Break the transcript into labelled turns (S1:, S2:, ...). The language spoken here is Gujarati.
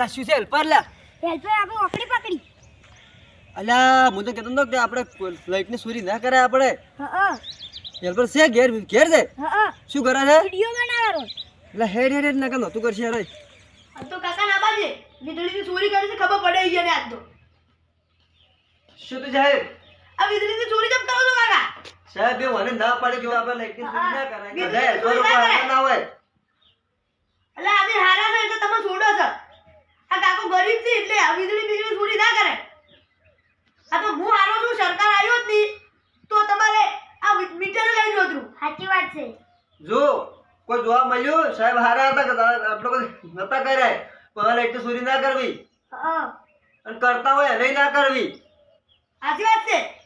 S1: અલા શું છે હેલ્પર લા
S2: હેલ્પર આપણે ઓકડી પકડી.
S1: અલા હું તો કહેતો નતો કે આપણે ફ્લાઇટ ની ચોરી ના કરાય આપણે
S2: હા
S1: હેલ્પર છે ઘેર ઘેર છે
S2: હા
S1: શું કરે છે
S2: વિડિયો બનાવવાનો.
S1: એટલે હેડ હેડ હેડ ના કર તું કરશે યાર
S3: આ તો કાકા ના બાજે વીજળીની ચોરી કરી છે ખબર પડે ઈ ને આજ તો
S1: શું તું સાહેબ
S3: આ વીજળીની ચોરી કેમ કરો છો કાકા
S1: સાહેબ એ મને ના પાડે કે આપણે લાઈટ ની ચોરી ના કરાય
S3: વીજળી
S1: બધા હેલ્પરો
S3: ચોરી ના કરાય.
S1: ના હોય
S3: એટલે અમે હારા છે એટલે તમે છોડો છો આ કાકો ગરીબ છે એટલે આ વીજળી ચોરી ના કરે આ તો હું હારો છું સરકાર આવ્યો જ નહીં તો તમારે આ મીટર લઈ જોતરું
S2: સાચી વાત છે.
S1: જો કોઈ જોવા મળ્યું સાહેબ હારા હતા કે આટલો બધો નતા કર્યા પણ લાઈટ ની ચોરી ના કરવી
S2: હા
S1: અને કરતા હોય એને ના કરવી
S3: સાચી વાત છે